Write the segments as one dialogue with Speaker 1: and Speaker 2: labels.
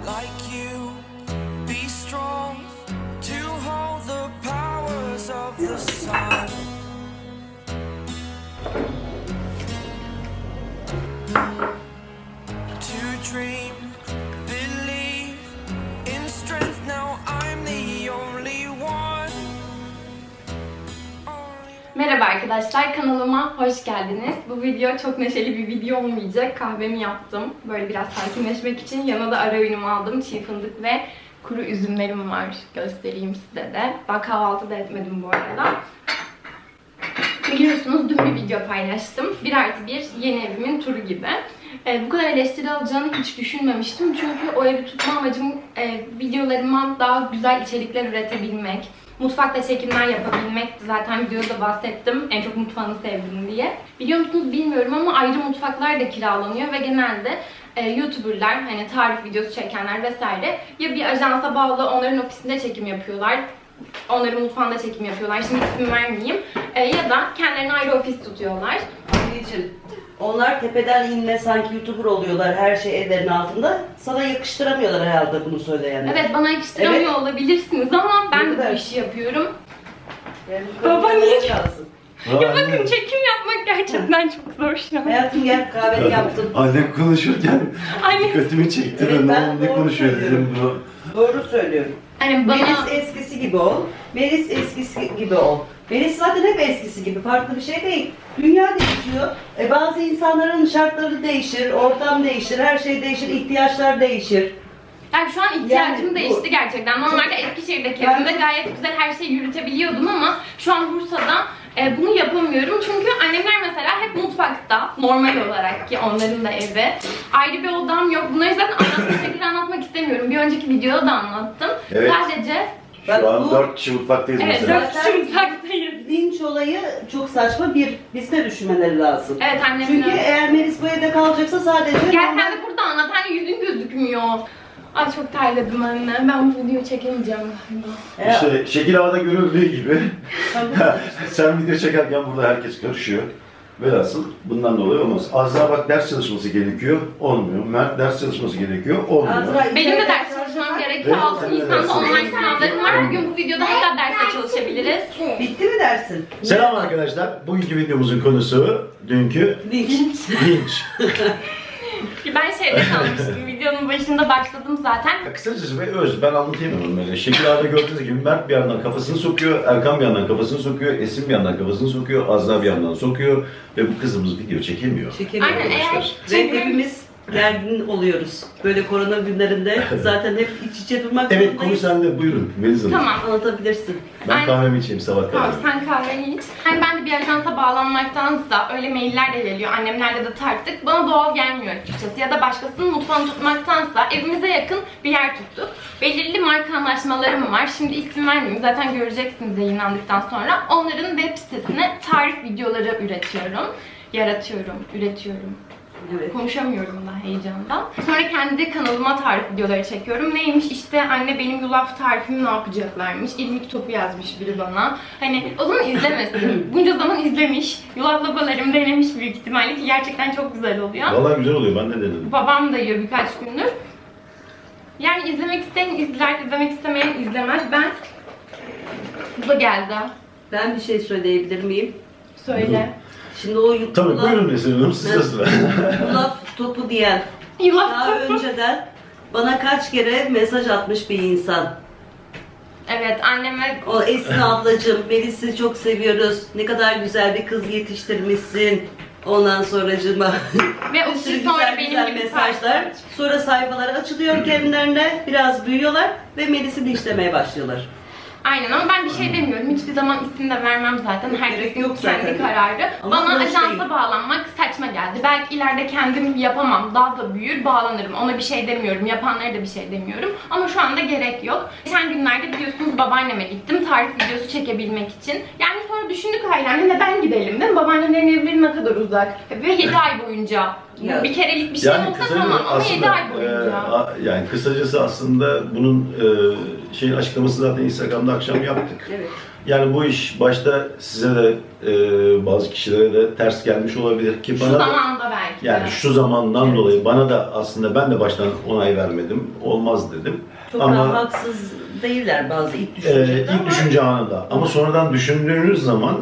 Speaker 1: like you. Be strong to hold the powers of the sun. To dream, believe in strength. Now I'm the only one.
Speaker 2: Merhaba arkadaşlar, kanalıma hoş geldiniz. Bu video çok neşeli bir video olmayacak. Kahvemi yaptım. Böyle biraz sakinleşmek için yanına da ara öğünümü aldım. Çiğ fındık ve kuru üzümlerim var. Göstereyim size de. Ben kahvaltı da etmedim bu arada. Biliyorsunuz dün bir video paylaştım. 1+1 yeni evimin turu gibi. Bu kadar eleştiri alacağını hiç düşünmemiştim. Çünkü o evi tutma amacım videolarıma daha güzel içerikler üretebilmek. Mutfakta çekimler yapabilmekti. Zaten videoda bahsettim. En çok mutfağını sevdim diye. Biliyor musunuz bilmiyorum ama ayrı mutfaklar da kiralanıyor ve genelde YouTuber'lar, hani tarif videosu çekenler vesaire ya bir ajansa bağlı onların ofisinde çekim yapıyorlar. Onların mutfağında çekim yapıyorlar. Şimdi isim vermeyeyim. Ya da kendilerine ayrı ofis tutuyorlar.
Speaker 3: Anneciğim, onlar tepeden inme sanki YouTuber oluyorlar her şey ellerinin altında. Sana yakıştıramıyorlar herhalde bunu söyleyenler.
Speaker 2: Evet, bana yakıştıramıyor
Speaker 3: Evet.
Speaker 2: olabilirsiniz ama ben de bu
Speaker 3: Evet.
Speaker 2: işi yapıyorum.
Speaker 3: Yani
Speaker 2: Baba niye?
Speaker 3: lazım.
Speaker 2: Ya bakın, çekim yapmak gerçekten çok zor şu an.
Speaker 3: Hayatım gel, kahveni yaptım.
Speaker 4: Annem konuşurken
Speaker 2: Anne.
Speaker 4: dikkatimi çekti
Speaker 3: Evet,
Speaker 4: ve
Speaker 3: ben
Speaker 4: ne
Speaker 3: doğru
Speaker 4: konuşuyor
Speaker 3: söylüyorum.
Speaker 4: dedim bu.
Speaker 3: Doğru söylüyorum.
Speaker 2: Hani bana...
Speaker 3: Melis eskisi gibi ol. Melis eskisi gibi ol. Melis zaten hep eskisi gibi. Farklı bir şey değil. Dünya değişiyor. Bazı insanların şartları değişir, ortam değişir, her şey değişir, ihtiyaçlar değişir.
Speaker 2: Yani şu an ihtiyacım
Speaker 3: Yani bu-
Speaker 2: değişti gerçekten. Normalde Eskişehir'deki
Speaker 3: Ben-
Speaker 2: evimde gayet güzel her şeyi yürütebiliyordum ama şu an Bursa'da bunu yapamıyorum. Çünkü annemler mesela hep mutfakta, normal olarak ki onların da evi. Ayrı bir odam yok. Bunları zaten anlatmak istemiyorum. Bir önceki videoda da anlattım.
Speaker 4: Evet.
Speaker 2: Sadece
Speaker 4: Şu an
Speaker 3: bu
Speaker 4: 4 kişi mutfaktayız
Speaker 2: evet,
Speaker 4: mesela.
Speaker 2: 4 kişi mutfaktayız.
Speaker 3: linç olayı çok saçma. Bizde düşünmeleri lazım.
Speaker 2: Evet, annemler.
Speaker 3: Çünkü eğer Melis bu evde kalacaksa sadece...
Speaker 2: Gel sen de burada anlat. Hani yüzün gözükmüyor. Ay çok terledim anne. Ben bu videoyu çekemeyeceğim galiba.
Speaker 4: İşte şekil havada görüldüğü gibi sen video çekerken burada herkes karışıyor. Velhasıl bundan dolayı olmaz. Azra bak ders çalışması gerekiyor, olmuyor. Mert ders çalışması gerekiyor, olmuyor.
Speaker 3: Azra,
Speaker 2: Benim de ders çalışmam gerekiyor.
Speaker 4: Evet,
Speaker 2: 6
Speaker 4: senin de
Speaker 2: Nisan'da
Speaker 4: dersin.
Speaker 2: online sınavlarım var. Bugün bu videoda hatta derste çalışabiliriz.
Speaker 3: Bitti mi dersin?
Speaker 4: Selam arkadaşlar. Bugünkü videomuzun konusu dünkü
Speaker 3: Linç.
Speaker 4: linç.
Speaker 2: Ben şeyde kalmıştım. Videonun başında başladım zaten.
Speaker 4: Kısacası ve öz, ben anlatayım onu böyle. Şekil havada gördüğünüz gibi Mert bir yandan kafasını sokuyor, Erkan bir yandan kafasını sokuyor, Esin bir yandan kafasını sokuyor, Azra bir yandan sokuyor ve bu kızımız video çekemiyor.
Speaker 3: Çekemiyor
Speaker 2: Aynen,
Speaker 3: arkadaşlar.
Speaker 2: eğer
Speaker 3: Ve hepimiz gergin oluyoruz. Böyle korona günlerinde zaten hep iç içe durmak
Speaker 4: Evet,
Speaker 3: zorundayız.
Speaker 4: konu sende, buyurun Melis Hanım.
Speaker 2: Tamam.
Speaker 3: Anlatabilirsin.
Speaker 4: Ben
Speaker 2: Aynen.
Speaker 4: kahvemi içeyim sabah
Speaker 2: Tamam,
Speaker 4: kadar.
Speaker 2: sen kahveni iç. Yani ben de bir ajansa bağlanmaktansa öyle mailler de geliyor. Annemlerle de tarttık. Bana doğal gelmiyor açıkçası. Ya da başkasının mutfağını tutmaktansa evimize yakın bir yer tuttuk. Belirli marka anlaşmalarım var. Şimdi isim vermeyeyim. Zaten göreceksiniz yayınlandıktan sonra. Onların web sitesine tarif videoları üretiyorum.
Speaker 3: Evet.
Speaker 2: Konuşamıyorum da heyecandan. Sonra kendi kanalıma tarif videoları çekiyorum. Neymiş işte, anne benim yulaf tarifimi ne yapacaklarmış. İrmik topu yazmış biri bana. Hani o zaman izlemesin. Bunca zaman izlemiş. Yulaflamalarımı denemiş büyük ihtimalle ki gerçekten çok güzel oluyor.
Speaker 4: Vallahi güzel oluyor, ben de denedim.
Speaker 2: Babam da yiyor birkaç gündür. Yani izlemek isteyen izler, izlemek istemeyen izlemez. Bu da geldi.
Speaker 3: Ben bir şey söyleyebilir miyim?
Speaker 2: Söyle.
Speaker 3: Şimdi o
Speaker 4: Tabii buyurun Esin Hanım, sizde sıra.
Speaker 3: yulaf topu diyen
Speaker 2: Yulaf
Speaker 3: daha
Speaker 2: topu.
Speaker 3: önceden bana kaç kere mesaj atmış bir insan.
Speaker 2: Evet, anneme
Speaker 3: O Esin ablacığım, Melis'i çok seviyoruz. Ne kadar güzel bir kız yetiştirmişsin. Ondan sonracığıma
Speaker 2: ve o
Speaker 3: bir sürü
Speaker 2: kişi sonra
Speaker 3: güzel
Speaker 2: benim
Speaker 3: güzel
Speaker 2: gibi
Speaker 3: mesajlar. Sonra sayfaları açılıyor kendilerine, biraz büyüyorlar ve Melis'i linçlemeye başlıyorlar.
Speaker 2: Aynen, ama ben bir şey demiyorum. Hiçbir zaman isim de vermem zaten.
Speaker 3: Gerek
Speaker 2: Herkesin
Speaker 3: yok
Speaker 2: kendi
Speaker 3: zaten.
Speaker 2: kararı.
Speaker 3: Ama
Speaker 2: Bana
Speaker 3: bu
Speaker 2: ajansa
Speaker 3: şey-
Speaker 2: bağlanmak saçma geldi. Belki ileride kendim yapamam. Daha da büyür, bağlanırım. Ona bir şey demiyorum. Yapanlara da bir şey demiyorum. Ama şu anda gerek yok. Geçen günlerde biliyorsunuz babaanneme gittim. Tarif videosu çekebilmek için. Yani sonra düşündük ailemle, neden gidelim değil mi? Babaannelerin evleri ne kadar uzak. Ve 7 ay boyunca.
Speaker 3: Ya.
Speaker 2: Bir kerelik bir şey
Speaker 4: Yani
Speaker 2: olsa tamam ama 7 ay boyunca.
Speaker 4: yani kısacası aslında bunun şeyin açıklaması zaten Instagram'da akşam yaptık.
Speaker 3: Evet.
Speaker 4: Yani bu iş başta size de bazı kişilere de ters gelmiş olabilir ki
Speaker 2: Şu
Speaker 4: bana da,
Speaker 2: zamanda belki.
Speaker 4: yani şu zamandan dolayı bana da aslında ben de baştan onay vermedim. Olmaz dedim.
Speaker 3: Çok
Speaker 4: Ama
Speaker 3: da haksız değiller bazı ilk düşüncede
Speaker 4: ilk düşünce anında. Ama sonradan düşündüğünüz zaman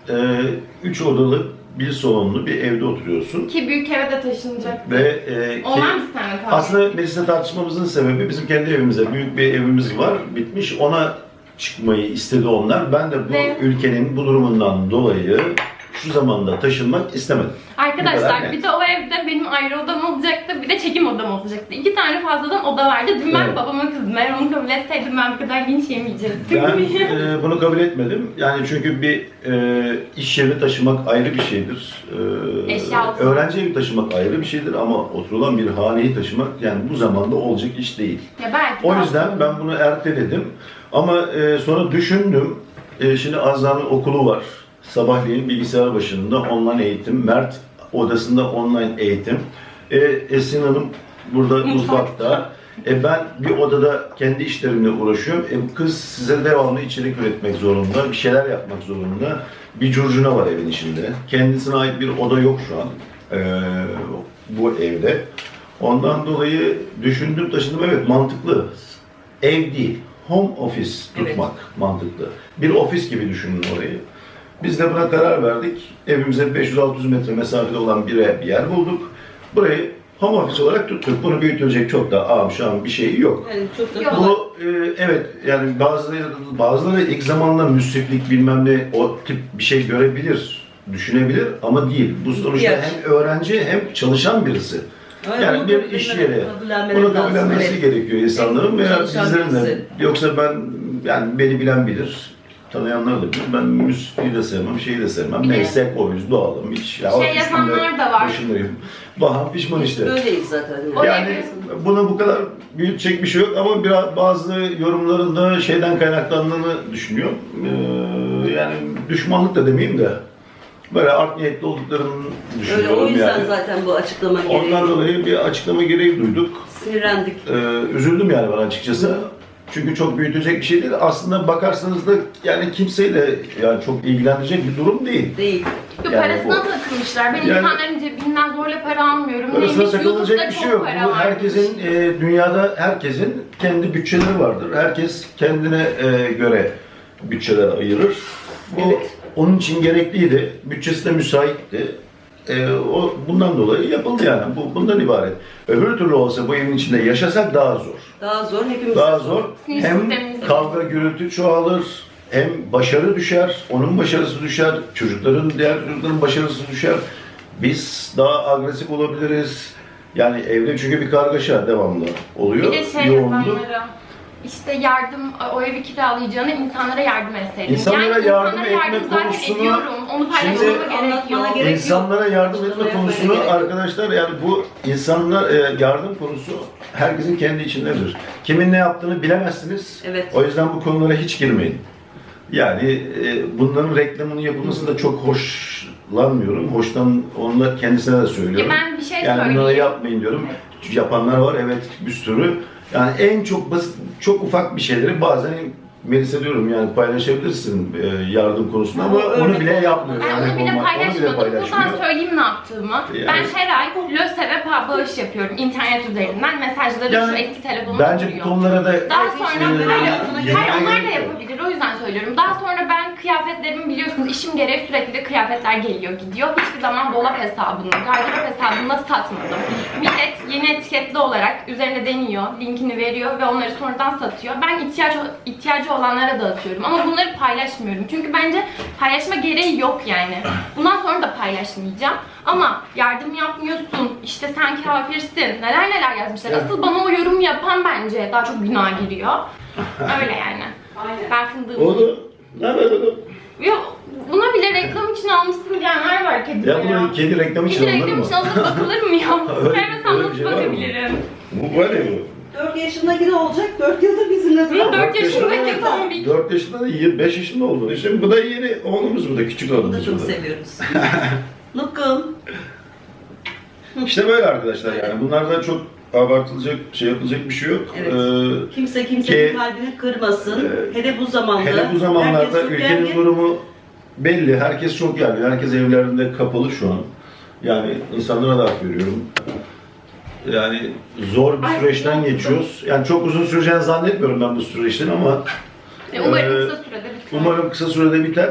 Speaker 4: 3 odalı, bir salonlu bir evde oturuyorsun.
Speaker 2: Ki büyük eve de taşınacak.
Speaker 4: Ve
Speaker 2: Onlar mı seninle kaldı?
Speaker 4: aslında mecliste tartışmamızın sebebi bizim kendi evimize büyük bir evimiz var, bitmiş. Ona çıkmayı istedi onlar. Ben de bu
Speaker 2: Ve-
Speaker 4: ülkenin bu durumundan dolayı şu zamanda taşınmak istemedim. Bu kadar
Speaker 2: Arkadaşlar
Speaker 4: net.
Speaker 2: bir de o evde benim ayrı odam olacaktı, bir de çekim odam olacaktı. 2 tane fazladan oda vardı. Dün ben
Speaker 4: Evet.
Speaker 2: babama kızdım. Eğer onu kabul etseydim ben bu kadar linç yemeyecektim.
Speaker 4: Ben bunu kabul etmedim. Yani çünkü bir iş yeri taşımak ayrı bir şeydir.
Speaker 2: Eşya
Speaker 4: Öğrenci evi taşımak ayrı bir şeydir ama oturulan bir haneyi taşımak yani bu zamanda olacak iş değil.
Speaker 2: Ya belki
Speaker 4: O
Speaker 2: de
Speaker 4: yüzden
Speaker 2: aslında.
Speaker 4: ben bunu erteledim. Ama sonra düşündüm. Şimdi Azra'nın okulu var. Sabahleyin bilgisayar başında online eğitim. Mert odasında online eğitim. Esin Hanım burada mutfakta. Ben bir odada kendi işlerimle uğraşıyorum. Bu kız size devamlı içerik üretmek zorunda, bir şeyler yapmak zorunda. Bir curcuna var evin içinde. Kendisine ait bir oda yok şu an bu evde. Ondan dolayı düşündüm, taşındım. Evet, mantıklı. Ev değil, home office tutmak mantıklı. Bir ofis gibi düşünün orayı. Biz de buna karar verdik. Evimize 500-600 metre mesafede olan bir yer bulduk. Burayı home office olarak tuttuk. Bunu büyütülecek çok da şu an bir şey yok.
Speaker 3: Yani çok da
Speaker 2: Yok.
Speaker 3: kolay.
Speaker 4: Bu evet yani bazıları ilk zamanla müsriflik bilmem ne o tip bir şey görebilir, düşünebilir ama değil. Bu sonuçta
Speaker 3: İhtiyaç.
Speaker 4: hem öğrenci hem çalışan birisi. Yani
Speaker 3: Bunu
Speaker 4: bir iş yeri.
Speaker 3: kabullenmeleri
Speaker 4: Bunu
Speaker 3: lazım,
Speaker 4: kabullenmesi
Speaker 3: evet.
Speaker 4: gerekiyor insanların veya
Speaker 3: Çalışan
Speaker 4: bizlerin de.
Speaker 3: birisi.
Speaker 4: Yoksa ben yani beni bilen bilir. Tanıyanlar da bilir. Ben müsrifliği de sevmem, şeyi de sevmem.
Speaker 2: Bir de-
Speaker 4: Neyse koyuz, doğalım. Hiç. Ya,
Speaker 2: Şey yapanlar da var.
Speaker 4: Başındayım. Baham pişman işte.
Speaker 3: Böyleyiz zaten.
Speaker 2: O
Speaker 4: Yani
Speaker 2: evi-
Speaker 4: buna bu kadar büyütecek bir şey yok ama bazı yorumların da şeyden kaynaklandığını düşünüyorum. Yani düşmanlık da demeyeyim de böyle art niyetli olduklarını
Speaker 3: Öyle
Speaker 4: düşünüyorum
Speaker 3: o yüzden
Speaker 4: yani.
Speaker 3: zaten bu açıklama gereği.
Speaker 4: Ondan dolayı bir açıklama gereği duyduk.
Speaker 3: Sinirlendik.
Speaker 4: Üzüldüm yani ben açıkçası. Çünkü çok büyütecek bir şey değil. Aslında bakarsanız da yani kimseyle yani çok ilgilenecek bir durum değil.
Speaker 3: Değil.
Speaker 2: Yok,
Speaker 4: Yani
Speaker 2: parasına
Speaker 4: bu-
Speaker 2: takılmışlar. Ben
Speaker 4: Yani-
Speaker 2: insanların cebinden zorla para almıyorum.
Speaker 4: Parasına
Speaker 2: Neymiş,
Speaker 4: takılacak
Speaker 2: YouTube'da
Speaker 4: bir şey
Speaker 2: çok
Speaker 4: yok.
Speaker 2: para
Speaker 4: Bu
Speaker 2: var.
Speaker 4: herkesin dünyada herkesin kendi bütçeleri vardır. Herkes kendine göre bütçeler ayırır. Bu onun için gerekliydi. Bütçesi de müsaitti. Bundan dolayı yapıldı yani. Bundan ibaret. Öbür türlü olsa bu evin içinde yaşasak daha zor.
Speaker 3: Daha zor hepimiz.
Speaker 4: Daha zor.
Speaker 2: Sinir
Speaker 4: Hem
Speaker 2: sistemimiz
Speaker 4: kavga gürültü çoğalır, hem başarı düşer, onun başarısı düşer, diğer çocukların başarısı düşer. Biz daha agresif olabiliriz. Yani evde çünkü bir kargaşa devamlı oluyor.
Speaker 2: Bir de şey
Speaker 4: yoğunluk.
Speaker 2: yapanlara, işte yardım, o evi kiralayacağına insanlara yardım etseydim.
Speaker 4: İnsanlara yardım etme
Speaker 2: zaten
Speaker 4: konusunu-
Speaker 2: ediyorum. Onu paylaşmama
Speaker 4: Şimdi
Speaker 2: gerek
Speaker 3: anlatmana
Speaker 2: yok.
Speaker 3: gerek yok.
Speaker 4: İnsanlara yardım etme
Speaker 3: Yapmaya
Speaker 4: konusunu
Speaker 3: gerek yok.
Speaker 4: arkadaşlar yani bu insanlar yardım konusu herkesin kendi içindedir. Kimin ne yaptığını bilemezsiniz.
Speaker 3: Evet.
Speaker 4: O yüzden bu konulara hiç girmeyin. Yani bunların reklamının yapılması da çok hoşlanmıyorum. Onu da kendisine de söylüyorum.
Speaker 2: Ya ben bir şey
Speaker 4: Yani bunları
Speaker 2: söyleyeyim.
Speaker 4: yapmayın diyorum. Çünkü yapanlar var evet bir sürü. Yani en çok basit, çok ufak bir şeyleri bazen Melis'e diyorum yani paylaşabilirsin yardım konusunda ama
Speaker 3: Ama
Speaker 4: onu
Speaker 3: örnek
Speaker 4: bile
Speaker 3: olmadan.
Speaker 4: yapmıyor.
Speaker 2: Ben onu bile
Speaker 4: Onu
Speaker 2: paylaşmadım. Buradan söyleyeyim ne yaptığımı.
Speaker 4: Yani-
Speaker 2: Ben her ay LÖSEV'e bağış yapıyorum internet üzerinden. Mesajları
Speaker 4: Yani
Speaker 2: şu eski telefonuma
Speaker 4: bence bu
Speaker 2: duruyor.
Speaker 4: konulara da
Speaker 2: Daha sonra hayır onlar da
Speaker 4: yapabilir.
Speaker 2: yapabilir. O yüzden söylüyorum. Daha sonra ben kıyafetlerimi biliyorsunuz işim gereği sürekli de kıyafetler geliyor gidiyor. Hiçbir zaman dolap hesabını, gardırop hesabında satmadım. Millet yeni etiketli olarak üzerine deniyor, linkini veriyor ve onları sonradan satıyor. Ben ihtiyacı olanlara dağıtıyorum ama bunları paylaşmıyorum. Çünkü bence paylaşma gereği yok yani. Bundan sonra da paylaşmayacağım. Ama yardım yapmıyorsun, işte sen kafirsin, neler yazmışlar. Asıl bana o yorum yapan bence daha çok günah giriyor. Öyle yani. Ben fındığım.
Speaker 4: Oğlum, ne haber oğlum?
Speaker 2: Yok, buna bile reklam için almışsın diyenler var kedi
Speaker 4: Ya bunu kedi reklamı için
Speaker 2: Kedi
Speaker 4: alınır
Speaker 2: reklam
Speaker 4: mı?
Speaker 2: için alınıp bakılır mı ya?
Speaker 4: Öyle-
Speaker 2: Sevmesem
Speaker 4: öyle bir
Speaker 2: nasıl
Speaker 4: şey var mı?
Speaker 2: bakabilirim?
Speaker 4: Bu böyle mi?
Speaker 3: 4 yaşındaki ne olacak? 4 yıldır bizimle duran.
Speaker 2: 4 yaşındaki tombik.
Speaker 4: 4 yaşında da 5 yaşında oldu. İşte bu da yeni oğlumuz bu da küçük
Speaker 3: Bunu da
Speaker 4: oğlumuz.
Speaker 3: çok
Speaker 4: bu da.
Speaker 3: seviyoruz. Nukum.
Speaker 4: İşte böyle arkadaşlar yani bunlardan çok abartılacak, şey yapılacak bir şey yok.
Speaker 3: Evet. Kimse kimsenin
Speaker 4: ki-
Speaker 3: kalbini kırmasın. Hele bu zamanda.
Speaker 4: Hele bu zamanlarda
Speaker 3: herkes çok
Speaker 4: ülkenin
Speaker 3: gergin.
Speaker 4: durumu belli. Herkes çok gergin. Herkes evlerinde kapalı şu an. Yani insanlara da hak veriyorum. Yani zor bir
Speaker 2: Ay,
Speaker 4: süreçten
Speaker 2: çok
Speaker 4: geçiyoruz. Yani çok uzun süreceğini zannetmiyorum ben bu süreçten ama
Speaker 2: Umarım kısa sürede biter.
Speaker 4: umarım kısa sürede biter.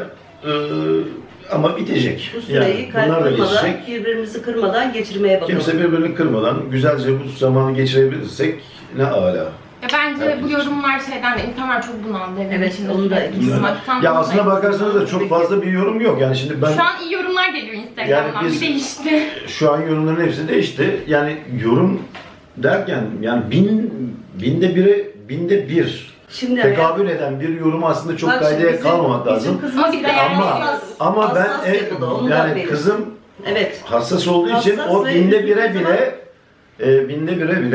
Speaker 4: Ama bitecek.
Speaker 3: Bu süreyi
Speaker 4: bunlar da
Speaker 3: kırmadan,
Speaker 4: geçecek.
Speaker 3: birbirimizi kırmadan geçirmeye bakalım.
Speaker 4: Kimse birbirini kırmadan güzelce bu zamanı geçirebilirsek ne âlâ.
Speaker 2: Ya bence bu yorumlar şeyden de insanlar çok bunaldı evin
Speaker 3: Evet,
Speaker 2: içinde
Speaker 3: onu da
Speaker 2: sürekli
Speaker 3: ikisi.
Speaker 2: sıkmaktan.
Speaker 4: Ya aslına bakarsanız da çok fazla bir yorum yok. Yani şimdi ben
Speaker 2: Şu an iyi yorumlar geliyor Instagram'dan.
Speaker 4: Yani biz-
Speaker 2: Bir değişti.
Speaker 4: şu an yorumların hepsi değişti. Yani yorum derken yani binde bir
Speaker 3: Şimdi
Speaker 4: tekabül eden bir yorum aslında çok
Speaker 3: Bak şimdi
Speaker 4: kaydaya
Speaker 3: bizim-
Speaker 4: kalmamak lazım.
Speaker 3: Bizim kızımız
Speaker 2: Ama bir de
Speaker 3: biraz
Speaker 2: yani-
Speaker 4: Ama ben
Speaker 3: hassas yapıda, onu da
Speaker 4: yani
Speaker 3: belirteyim.
Speaker 4: kızım
Speaker 3: Evet.
Speaker 4: hassas olduğu için
Speaker 3: Hassas
Speaker 4: o
Speaker 3: ve
Speaker 4: binde bire
Speaker 3: üzüldüğü
Speaker 4: bile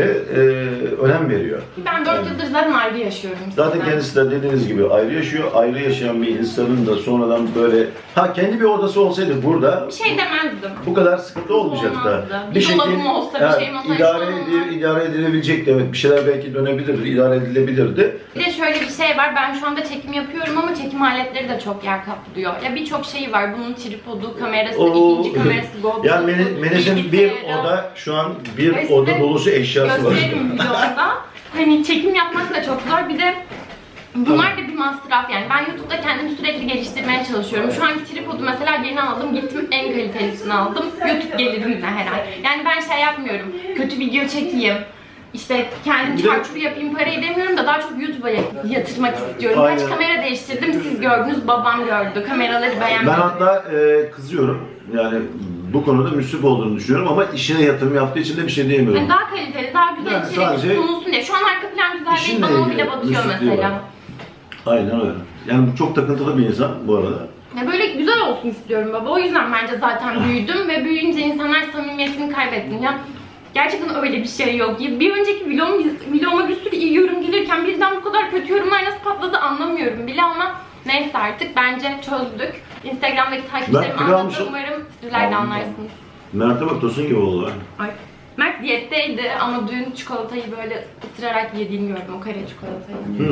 Speaker 4: önem veriyor.
Speaker 2: Ben 4 yıldır zaten ayrı yaşıyorum.
Speaker 4: Zaten
Speaker 2: sizden.
Speaker 4: kendisi de dediğiniz gibi ayrı yaşıyor. Ayrı yaşayan bir insanın da sonradan böyle kendi bir odası olsaydı burada
Speaker 2: Bir şey demezdim.
Speaker 4: bu kadar sıkıntı olmayacaktı.
Speaker 2: Olmazdı. Bir dolabım olsa, bir şeyim olsa
Speaker 4: idare,
Speaker 2: hiç olmaz.
Speaker 4: idare edilebilecekti. Evet, bir şeyler belki dönebilirdi, idare edilebilirdi.
Speaker 2: Bir de şöyle bir şey var, ben şu anda çekim yapıyorum ama çekim aletleri de çok yer kaplıyor. Ya birçok şey var, bunun tripodu, kamerası, ikinci kamerası, GoPro'su,
Speaker 4: Yani Melis'in bir
Speaker 2: bilgisayarı.
Speaker 4: oda, şu an bir
Speaker 2: Ve
Speaker 4: oda
Speaker 2: size
Speaker 4: dolusu eşyası var.
Speaker 2: Gösteririm videomda. Hani çekim yapmak da çok zor. Bir de bunlar da bir masraf yani. Ben YouTube'da kendimi sürekli geliştirmeye çalışıyorum. Şu anki tripodu mesela yeni aldım. Gittim en kalitelisini aldım. YouTube gelirimle her ay. Yani ben şey yapmıyorum. Kötü video çekeyim. İşte kendim
Speaker 4: Bir de-
Speaker 2: çarçur yapayım parayı demiyorum da daha çok YouTube'a yatırmak istiyorum.
Speaker 4: Aynen.
Speaker 2: Kaç kamera değiştirdim siz gördünüz, babam gördü. Kameraları
Speaker 4: Ben
Speaker 2: beğenmedi.
Speaker 4: hatta kızıyorum. Yani bu konuda müsrif olduğunu düşünüyorum ama işine yatırım yaptığı için de bir şey diyemiyorum.
Speaker 2: Yani daha kaliteli, daha güzel
Speaker 4: Yani
Speaker 2: içerik
Speaker 4: sadece
Speaker 2: sunulsun diye. Şu an arka plan güzel değil,
Speaker 4: işinle
Speaker 2: bana o
Speaker 4: ilgili
Speaker 2: bile batıyor
Speaker 4: müsrifliği
Speaker 2: mesela.
Speaker 4: var. Aynen öyle. Yani çok takıntılı bir insan bu arada.
Speaker 2: Ya böyle güzel olsun istiyorum baba. O yüzden bence zaten büyüdüm ve büyüyünce insanlar samimiyetini kaybetti. Ya gerçekten öyle bir şey yok. Bir önceki vloguma bir sürü iyi yorum gelirken birden bu kadar kötü yorumlar nasıl patladı anlamıyorum bile ama neyse artık bence çözdük. Instagram'daki takipçilerimi
Speaker 4: kilo
Speaker 2: anlattım.
Speaker 4: almışım.
Speaker 2: Umarım sizler de anlarsınız.
Speaker 4: Mert'e bak Tosun gibi oldu.
Speaker 2: Ay. Mert diyetteydi ama dün çikolatayı böyle ısırarak yediğini gördüm. O kare çikolatayı.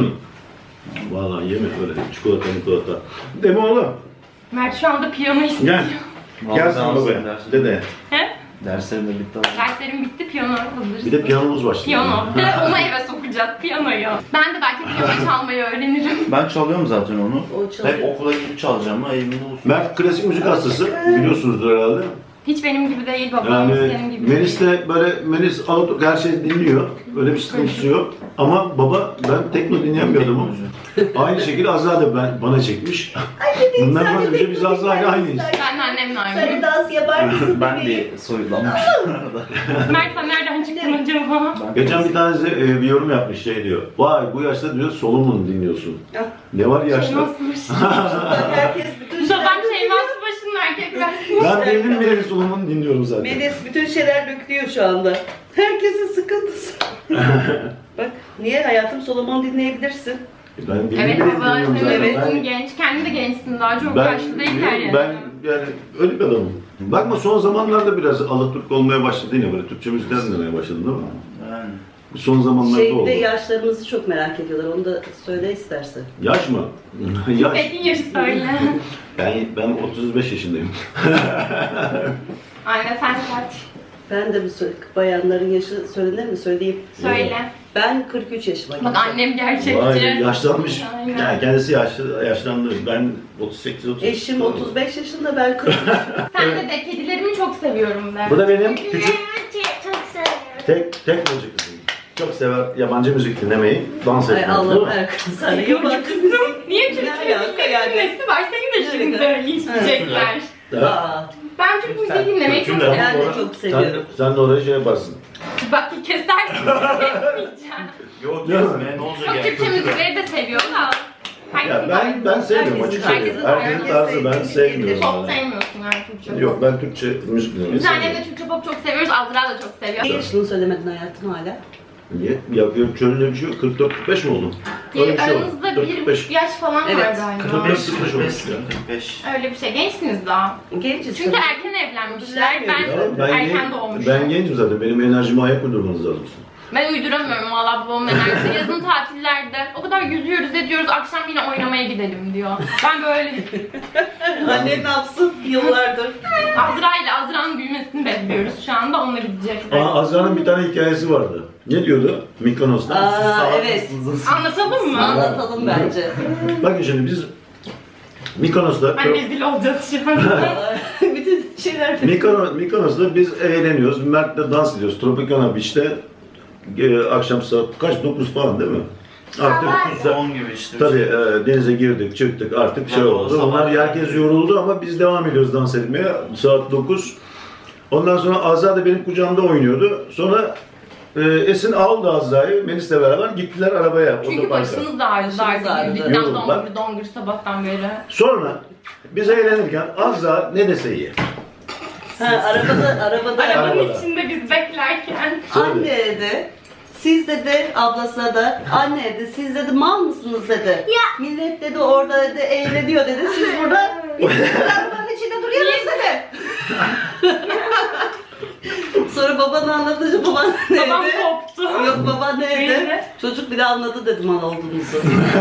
Speaker 4: Vallahi yeme öyle çikolata. Değil mi oğlum?
Speaker 2: Mert şu anda piyano istiyor.
Speaker 4: Gel. Gel sen babaya. Dede.
Speaker 2: He?
Speaker 5: Derslerim de bitti ama.
Speaker 2: Derslerim bitti, piyano hazır.
Speaker 4: Bir de piyanomuz başladı.
Speaker 2: Piyano. Bir de onu eve sokacağız, piyanoyu. Ben de belki piyano çalmayı öğrenirim.
Speaker 5: Ben çalıyorum zaten onu.
Speaker 3: O çalıyor.
Speaker 5: Hep okula gidip çalacağım ama emin olsun.
Speaker 4: Mert klasik müzik hastası. Biliyorsunuzdur herhalde.
Speaker 2: Hiç benim gibi değil, babam senin
Speaker 4: Yani
Speaker 2: gibi
Speaker 4: Melis
Speaker 2: değil.
Speaker 4: de böyle Melis Alaturk her şeyi dinliyor. Öyle bir sıkıntısı yok. Ama baba ben tekno dinleyen bir adamım. Aynı şekilde Azra da bana çekmiş. Bundan böyle bir şey biz Azra ile aynıyız.
Speaker 2: Ben de annemle
Speaker 3: Sen
Speaker 2: aynıyım.
Speaker 3: dans yapar mısın?
Speaker 5: Ben
Speaker 3: bebeğim?
Speaker 5: de soyulanmış.
Speaker 2: Mert sen nereden çıktın acaba?
Speaker 4: Geçen bir tanesi bir yorum yapmış şey diyor. Vay bu yaşta diyor Solomon dinliyorsun.
Speaker 3: Ah.
Speaker 4: Ne var yaşta?
Speaker 2: Şeyma Subaşı.
Speaker 3: Herkes bütün
Speaker 2: Babam Şeyma Subaşı'nın erkek versiyonu.
Speaker 4: Ben bildim bile Solomon dinliyorum zaten.
Speaker 3: Melis bütün şeyler dökülüyor şu anda. Herkesin sıkıntısı. Bak niye hayatım Solomon dinleyebilirsin.
Speaker 4: Ben bildim
Speaker 2: Evet
Speaker 4: bile
Speaker 2: baba,
Speaker 4: dinliyorum
Speaker 2: sen
Speaker 4: zaten.
Speaker 2: evet. Genç, kendi de gençsin daha çok yaşlı değiller yani.
Speaker 4: Ben yani öyle bir adamım. Bakma son zamanlarda biraz Alaturk olmaya başladı yine böyle Türkçe müzikler dinlemeye başladın değil mi?
Speaker 5: Yani.
Speaker 4: Son zamanlarda oldu.
Speaker 3: Yaşlarımızı çok merak ediyorlar. Onu da söyle istersen.
Speaker 4: Yaş mı? Yaş.
Speaker 2: Peki yaşı söyle.
Speaker 4: Ben 35 yaşındayım.
Speaker 2: Anne sen kaç?
Speaker 3: Ben de bayanların yaşı söylenir mi? Söyleyeyim.
Speaker 2: Söyle.
Speaker 3: Ben 43 yaşıma
Speaker 2: Bak annem gerçekçi.
Speaker 4: Vay yaşlanmış.
Speaker 2: Aynen.
Speaker 4: Yani kendisi yaşlandı. Ben 38-38.
Speaker 3: Eşim 35 yaşında, ben 43.
Speaker 2: Sen de kedilerimi çok seviyorum ben.
Speaker 4: Bu da benim küçük
Speaker 2: Çok seviyorum.
Speaker 4: tek müzik kızım. Çok sever yabancı müzik dinlemeyi, dans
Speaker 3: Ay
Speaker 4: etmeyi.
Speaker 3: Allah'ım Erkan sana yabancı müzik.
Speaker 2: Niye Türk
Speaker 3: Ne alaka
Speaker 2: müziği
Speaker 3: yani?
Speaker 2: nesi var? Seni de şimdi linçleyecekler.
Speaker 3: Aa,
Speaker 2: Ben Türk müziği dinlemeyi çok
Speaker 4: Çünkü
Speaker 2: seviyorum.
Speaker 3: Ben de çok seviyorum.
Speaker 4: Sen de oraya şey yaparsın.
Speaker 2: Bak kesersin. Kesmeyeceğim.
Speaker 5: Yok
Speaker 4: Ya.
Speaker 5: kesme ne olacak
Speaker 2: Çok
Speaker 5: yani?
Speaker 2: Türkçe müzikleri de seviyorum da.
Speaker 4: Ya ben sevmiyorum
Speaker 3: Herkesin
Speaker 4: açık
Speaker 3: tarzı.
Speaker 4: söyleyeyim. Herkesin tarzı ben
Speaker 3: Herkes
Speaker 4: sevmiyorum.
Speaker 2: Pop
Speaker 4: yani.
Speaker 2: sevmiyorsun yani Türkçe.
Speaker 4: Yok ben Türkçe müzik dinlemeyi
Speaker 2: Biz annemle
Speaker 4: seviyorum.
Speaker 2: Türkçe pop çok seviyoruz. Azra da çok seviyor.
Speaker 3: Niye şunu söylemedin hayatım hala?
Speaker 4: Niye? Ya şöyle bir şey yok. 44-45 mi oldu? Öyle bir şey oldu.
Speaker 2: Aranızda 1,5 yaş falan
Speaker 3: Evet,
Speaker 2: var galiba.
Speaker 4: 45 olmuş ya.
Speaker 5: 45.
Speaker 2: Öyle bir şey. Gençsiniz daha.
Speaker 3: Genciz.
Speaker 2: Çünkü erken evlenmişler.
Speaker 3: Düzenmiyor.
Speaker 2: Ben erken doğmuşum.
Speaker 4: Ben gencim zaten. Benim enerjime ayak uydurmanız lazım.
Speaker 2: Ben uyduramıyorum valla babamın enerjisi. Yazın tatillerde o kadar yüzüyoruz ediyoruz, akşam yine oynamaya gidelim diyor. Ben böyle
Speaker 3: Annem ne yapsın yıllardır?
Speaker 2: Azra'nın büyümesini bekliyoruz şu anda, onunla gidecek.
Speaker 4: Azra'nın bir tane hikayesi vardı. Ne diyordu? Mikonos'ta.
Speaker 3: Aa evet.
Speaker 2: Anlatalım mı?
Speaker 3: Anlatalım bence.
Speaker 4: Bakın şimdi biz Mikonos'ta
Speaker 2: Ben rezil olacağız şu an.
Speaker 3: Bütün şeyler.
Speaker 4: Mikonos'ta biz eğleniyoruz. Mert'le dans ediyoruz. Tropicana Beach'te akşam saat kaç? 9 falan değil mi? Artık
Speaker 5: 10 gibi işte.
Speaker 4: tabii denize girdik, çıktık artık şey
Speaker 5: Tabii, o
Speaker 4: oldu.
Speaker 5: sabah
Speaker 4: Onlar
Speaker 5: yani.
Speaker 4: herkes yoruldu ama biz devam ediyoruz dans etmeye. Saat 9. Ondan sonra Azra da benim kucağımda oynuyordu. Sonra Esin aldı Azra'yı, Melis'le beraber gittiler arabaya.
Speaker 2: Çünkü
Speaker 4: otoparka.
Speaker 2: başımız da ağrıdı
Speaker 3: Başımız ağrıdı.
Speaker 2: artık. Yüzükten
Speaker 4: Yoruldular.
Speaker 2: dongur sabahtan beri.
Speaker 4: Sonra biz eğlenirken Azra ne dese iyi.
Speaker 3: Ha, arabada.
Speaker 2: Arabanın
Speaker 4: Arabada.
Speaker 2: içinde biz beklerken.
Speaker 3: Anne dedi. Siz dedi ablasına da anne dedi siz dedi mal mısınız dedi. Millet dedi orada dedi eğleniyor dedi. Siz burada biz arabanın içinde duruyoruz dedi. Sonra babanı anlatınca baban ne
Speaker 2: Babam
Speaker 3: dedi?
Speaker 2: koptu.
Speaker 3: Yok baban ne dedi?
Speaker 2: Neydi?
Speaker 3: Çocuk bile anladı dedi mal olduğumuzu.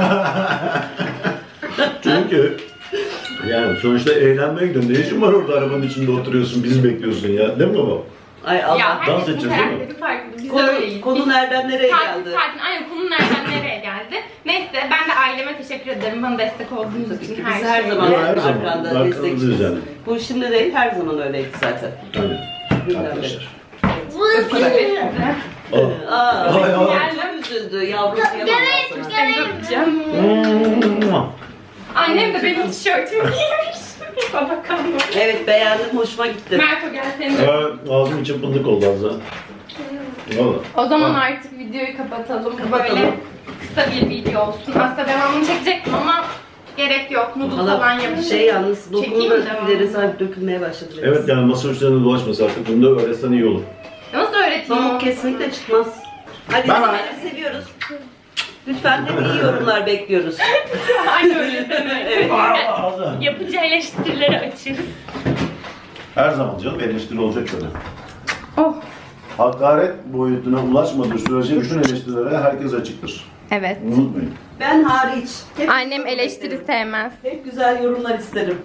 Speaker 4: Çünkü yani sonuçta eğlenmeye gidiyorsun. Ne işin var orada arabanın içinde oturuyorsun, bizi bekliyorsun ya. Değil mi baba?
Speaker 3: Ay Allah.
Speaker 2: Ya
Speaker 4: dans
Speaker 2: herkesin
Speaker 4: edeceğiz, değil mi?
Speaker 2: karakteri farklı. Biz de öyleyiz.
Speaker 3: Konu nereden nereye
Speaker 2: Sakin
Speaker 3: geldi?
Speaker 2: sakin. Aynen, konu nereden nereye geldi. Neyse, ben de aileme teşekkür ederim. Bana destek olduğunuz
Speaker 3: Tabii
Speaker 2: için
Speaker 3: ki
Speaker 2: her
Speaker 3: biz her
Speaker 2: şeyi.
Speaker 3: zaman
Speaker 4: Yok, her zaman.
Speaker 3: arkanda
Speaker 4: Arkanızdayız
Speaker 3: destekçiyiz.
Speaker 4: yani.
Speaker 3: Bu şimdi değil her zaman öyleydi zaten.
Speaker 4: Tabii.
Speaker 3: Güzel.
Speaker 4: Arkadaşlar.
Speaker 2: Öpüyorum size.
Speaker 4: Aa.
Speaker 3: Aa,
Speaker 4: Ay, ay.
Speaker 3: çok üzüldü yavrusu yapamaz sana.
Speaker 2: Seni de öpeceğim. Annem de benim tişörtümü giymiş. Baba kanlı.
Speaker 3: Evet beğendim hoşuma gitti.
Speaker 2: Merto gel seni de.
Speaker 4: Ağzım için fındık oldu Azra. Valla.
Speaker 2: O zaman artık videoyu kapatalım.
Speaker 3: Kapatalım.
Speaker 2: Böyle kısa bir video olsun. Aslında devamını çekecektim ama gerek yok. Noodle falan
Speaker 3: Valla
Speaker 2: yapacağım.
Speaker 3: şey yalnız dokunu
Speaker 2: Çekeyim
Speaker 3: da
Speaker 2: mi devamını?
Speaker 3: ileri sanki dökülmeye başladı. biraz.
Speaker 4: Evet yani masa üstlerinde dolaşması artık. Bunu da öğretsen iyi olur.
Speaker 2: Nasıl öğreteyim?
Speaker 3: Pamuk kesinlikle çıkmaz. Hadi
Speaker 4: Bye
Speaker 3: sizleri seviyoruz. Lütfen hep iyi yorumlar bekliyoruz.
Speaker 2: Aynı öyle deme.
Speaker 3: Evet.
Speaker 4: Azra.
Speaker 2: Yapıcı eleştirileri açığız.
Speaker 4: Her zaman canım eleştiri olacak tabii.
Speaker 2: Oh.
Speaker 4: Hakaret boyutuna ulaşmadığı sürece bütün eleştirilere herkes açıktır.
Speaker 2: Evet.
Speaker 4: Unutmayın.
Speaker 3: Ben hariç. Hep
Speaker 2: Annem eleştiri sevmez.
Speaker 3: Hep güzel yorumlar isterim.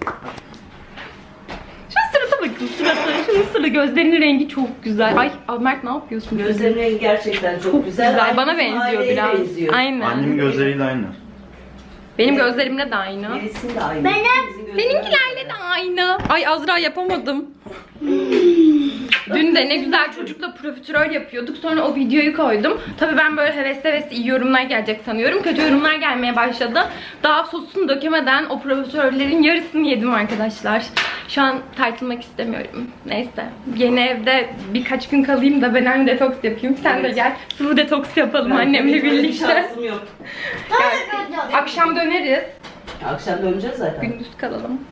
Speaker 2: Şu sırada bakın, şunun sırada gözlerinin rengi çok güzel. Ay Mert ne yapıyorsun?
Speaker 3: Gözlerinin rengi gerçekten çok güzel. Aynı
Speaker 2: Bana
Speaker 3: bizim
Speaker 2: benziyor
Speaker 3: aileye
Speaker 2: biraz.
Speaker 3: benziyor.
Speaker 2: Aynen.
Speaker 5: Annemin gözleriyle aynı.
Speaker 2: Benim gözlerimle de aynı.
Speaker 3: Gerisinin de aynı.
Speaker 2: Benim,
Speaker 3: Bizim gözlerimiz
Speaker 2: seninkilerle de aynı. Ay Azra yapamadım. Dün de ne güzel çocukla profiterol yapıyorduk. Sonra o videoyu koydum. Tabii ben böyle hevesli iyi yorumlar gelecek sanıyorum. Kötü yorumlar gelmeye başladı. Daha sosunu dökemeden o profiterollerin yarısını yedim arkadaşlar. Şu an tartılmak istemiyorum. Neyse. Yeni evde birkaç gün kalayım da ben detoks yapayım. Sen de gel. Sıvı detoks yapalım annemle
Speaker 3: Benim öyle bir
Speaker 2: birlikte.
Speaker 3: şansım yok.
Speaker 2: Akşam döneriz.
Speaker 3: Akşam döneceğiz zaten.
Speaker 2: Gündüz kalalım.